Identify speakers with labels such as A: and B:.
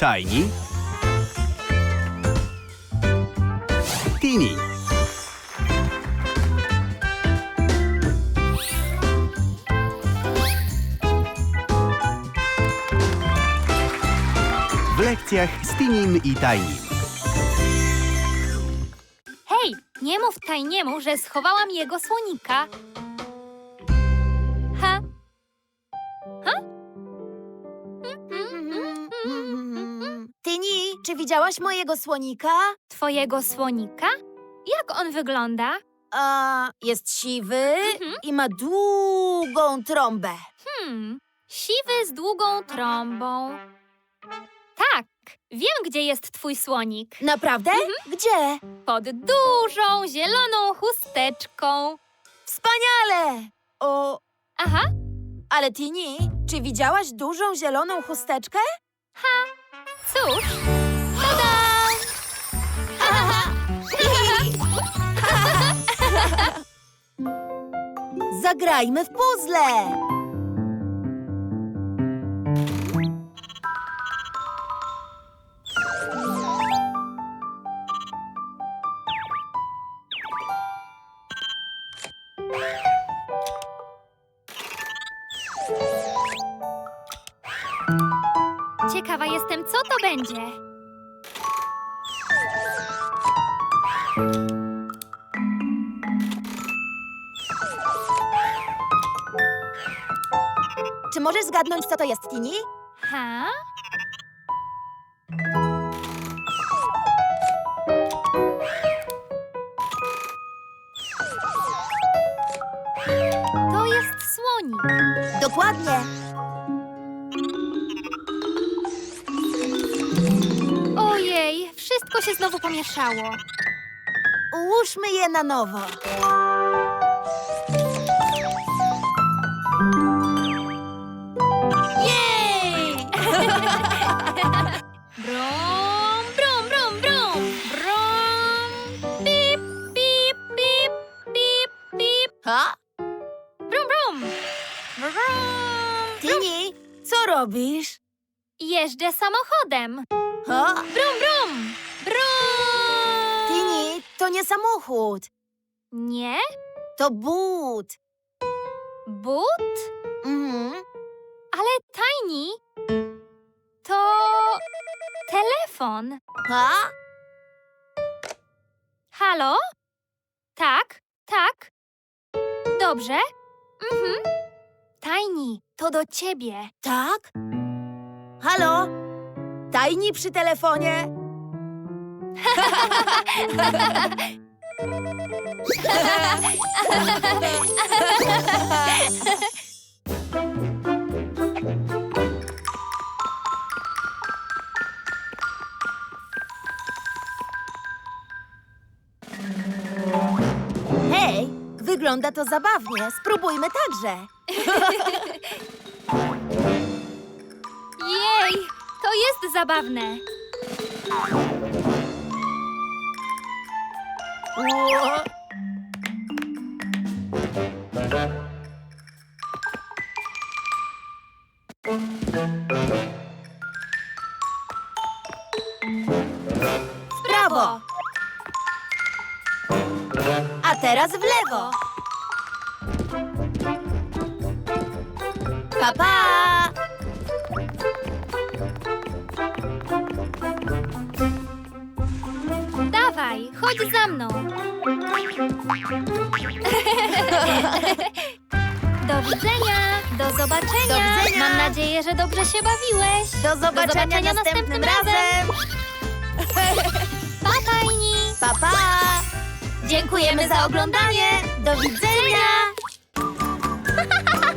A: Tiny, Tini. W lekcjach z Tinim i Tinym.
B: Hej, nie mów Tajniemu, że schowałam jego słonika. Ha?
C: Tini, czy widziałaś mojego słonika?
B: Twojego słonika? Jak on wygląda?
C: Jest siwy i ma długą trąbę.
B: Siwy z długą trąbą. Tak, wiem, gdzie jest twój słonik.
C: Naprawdę? Gdzie?
B: Pod dużą, zieloną chusteczką.
C: Wspaniale!
B: Aha,
C: Ale Tini, czy widziałaś dużą zieloną chusteczkę?
B: cóż. Tada!
C: Zagrajmy w puzzle!
B: Ciekawa jestem, co to będzie.
C: Czy możesz zgadnąć, co to jest, Tini?
B: Ha? To jest słonik.
C: Dokładnie.
B: Ojej, wszystko się znowu pomieszało.
C: Ułóżmy je na nowo.
B: Jej! Brum, brum, brum, brum, brum. Pip, pip, pip, pip, pip.
C: Ha?
B: Brum, brum. Brum.
C: Tini, co robisz?
B: Jeżdżę samochodem.
C: Ha?
B: Brum, brum. Brum.
C: Tini, to nie samochód.
B: Nie?
C: To but.
B: But? Ale Tiny, to telefon.
C: Ha?
B: Halo? Tak, tak. Dobrze? Tiny, to do ciebie.
C: Tak? Halo? Tini przy telefonie? Hej, wygląda to zabawnie. Spróbujmy także.
B: Jej, to jest zabawne.
C: Ło. W prawo. A teraz w lewo. Pa, pa!
B: Dawaj, chodź za mną. Do widzenia, do zobaczenia.
C: Do widzenia.
B: Mam nadzieję, że dobrze się bawiłeś.
C: Do zobaczenia następnym razem.
B: Pa, Tiny.
C: Pa, pa! Dziękujemy za oglądanie. Do widzenia.